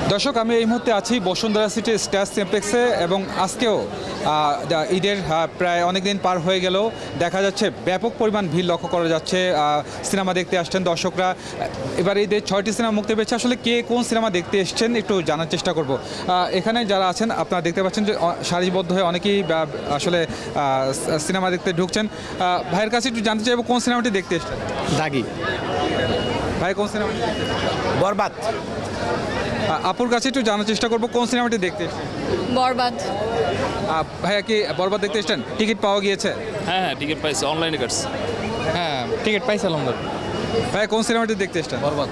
দর্শক, আমি এই মুহূর্তে আছি বসুন্ধরা সিটি স্টার সিনেপ্লেক্সে এবং আজকেও ঈদের প্রায় অনেক দিন পার হয়ে গেলেও দেখা যাচ্ছে ব্যাপক পরিমাণ ভিড় লক্ষ্য করা যাচ্ছে। সিনেমা দেখতে আসছেন দর্শকরা। এবার ঈদের 6টি সিনেমা মুক্তি পেয়েছে। আসলে কে কোন সিনেমা দেখতে এসছেন একটু জানার চেষ্টা করব। এখানে যারা আছেন আপনারা দেখতে পাচ্ছেন যে সারিবদ্ধ হয়ে অনেকেই আসলে সিনেমা দেখতে ঢুকছেন। ভাইয়ের কাছে একটু জানতে চাইবো কোন সিনেমাটি দেখতে এসছেন। দাগি। ভাই কোন সিনেমাটি? বরবাদ। আপুর কাছে একটু জানার চেষ্টা করবো কোন সিনেমাটি দেখতে এসছেন। বরবাদ। ভাইয়া কি বরবাদ দেখতে এসছেন? টিকিট পাওয়া গিয়েছে? হ্যাঁ টিকিট পাইছি, অনলাইনে কাটছি। হ্যাঁ টিকিট পাইছিলাম। ভাইয়া কোন সিনেমাটি দেখতে এসছেন? বরবাদ।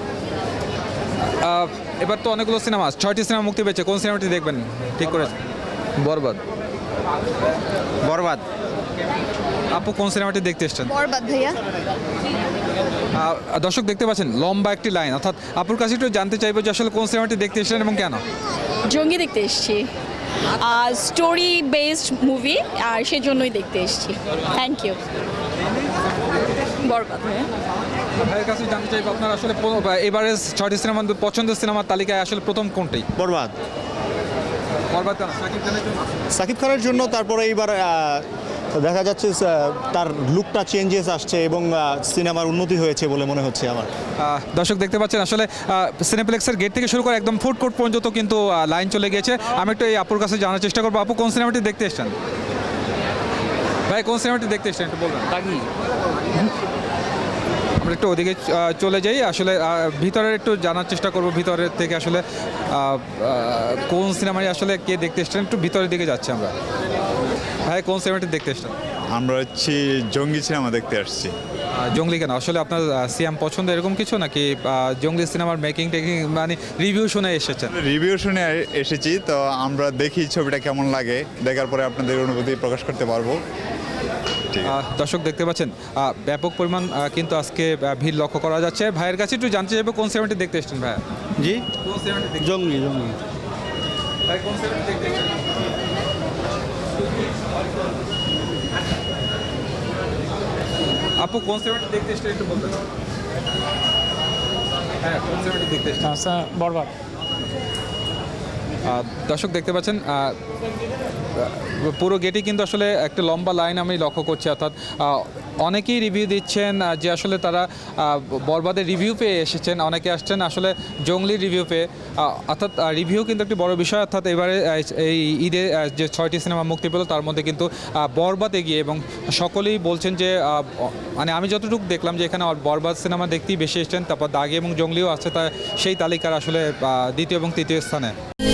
এবার তো অনেকগুলো সিনেমা, 6টি সিনেমা মুক্তি পেয়েছে, কোন সিনেমাটি দেখবেন ঠিক করেছেন? বরবাদ। বরবাদ। আপু কোন সিনেমাটি দেখতে এসছেন? বরবাদ ভাইয়া। দর্শক দেখতে পাচ্ছেন লম্বা একটি লাইন, অর্থাৎ আপুর কাছে একটু জানতে চাইবো যে আসলে কোন সিনেমাটি দেখতে এসেছেন এবং কেন? জঙ্গি দেখতে এসেছি, স্টোরি বেসড মুভি, আর সেজন্যই দেখতে এসেছি। Thank you. বরবাদ ভাইয়া। ভাইয়ের কাছে জানতে চাইবো আপনার আসলে এবারে 6টি সিনেমার পছন্দের সিনেমার তালিকায় আসলে প্রথম কোনটি? বরবাদ। বরবাদ কেন? শাকিব খানের জন্য? সাকিব খানের জন্য, তারপরে এইবার দেখা যাচ্ছে তার লুকটা চেঞ্জেস আসছে এবং সিনেমার উন্নতি হয়েছে বলে মনে হচ্ছে আমার। দর্শক দেখতে পাচ্ছেন আসলে সিনেপ্লেক্সের গেট থেকে শুরু করে একদম ফুড কোর্ট পর্যন্ত কিন্তু লাইন চলে গিয়েছে। আমি একটু এই আপুর কাছে জানার চেষ্টা করবো, আপু কোন সিনেমাটি দেখতে এসেছেন? ভাই কোন সিনেমাটি দেখতে এসেছেন একটু বলবেন? দাগি। আমরা একটু ওদিকে চলে যাই, আসলে ভিতরের একটু জানার চেষ্টা করব ভিতরের থেকে আসলে কোন সিনেমায় আসলে কে দেখতে এসেছেন। একটু ভিতরের দিকে যাচ্ছি আমরা। ভাই কোন সিনেমাটি দেখতে এসেছেন? আমরা হচ্ছে জঙ্গি সিনেমা দেখতে আসছি। জঙ্গলি কেন? আসলে আপনার সিয়াম পছন্দ এরকম কিছু নাকি জঙ্গলি সিনেমার মেকিং টেকিং মানে রিভিউ শুনে এসেছেন? রিভিউ শুনে এসেছি, তো আমরা দেখি ছবিটা কেমন লাগে, দেখার পরে আপনাদের অনুভূতি প্রকাশ করতে পারবো। দর্শক দেখতে পাচ্ছেন ব্যাপক পরিমাণ কিন্তু আজকে ভিড় লক্ষ্য করা যাচ্ছে। ভাইয়ের কাছে একটু জানতে চাইবো কোন সিনেমাটি দেখতে এসেছেন ভাইয়া? জি। কোন সিনেমাটি দেখতে? জঙ্গি। জঙ্গি। ভাই কোন সিনেমাটি দেখতে এসেছেন? আপু কোন সিনেমাটি দেখতে এসেছেন একটু বলবেন? হ্যাঁ কোন সিনেমাটি দেখতে এসেছেন? আচ্ছা বরবাদ। দর্শক দেখতে পাচ্ছেন পুরো গেটই কিন্তু আসলে একটা লম্বা লাইন আমি লক্ষ্য করছি, অর্থাৎ অনেকেই রিভিউ দিচ্ছেন যে আসলে তারা বরবাদের রিভিউ পেয়ে এসেছেন, অনেকে আসছেন আসলে জঙ্গলির রিভিউ পেয়ে। অর্থাৎ রিভিউ কিন্তু একটি বড় বিষয়। অর্থাৎ এবারে এই ঈদে যে 6টি সিনেমা মুক্তি পেল তার মধ্যে কিন্তু বরবাদ এগিয়ে, এবং সকলেই বলছেন যে মানে আমি যতটুকু দেখলাম যে এখানে বরবাদ সিনেমা দেখতেই বেশি এসেছেন, তারপর দাগি এবং জঙ্গলিও আছে, তা সেই তালিকার আসলে দ্বিতীয় এবং তৃতীয় স্থানে।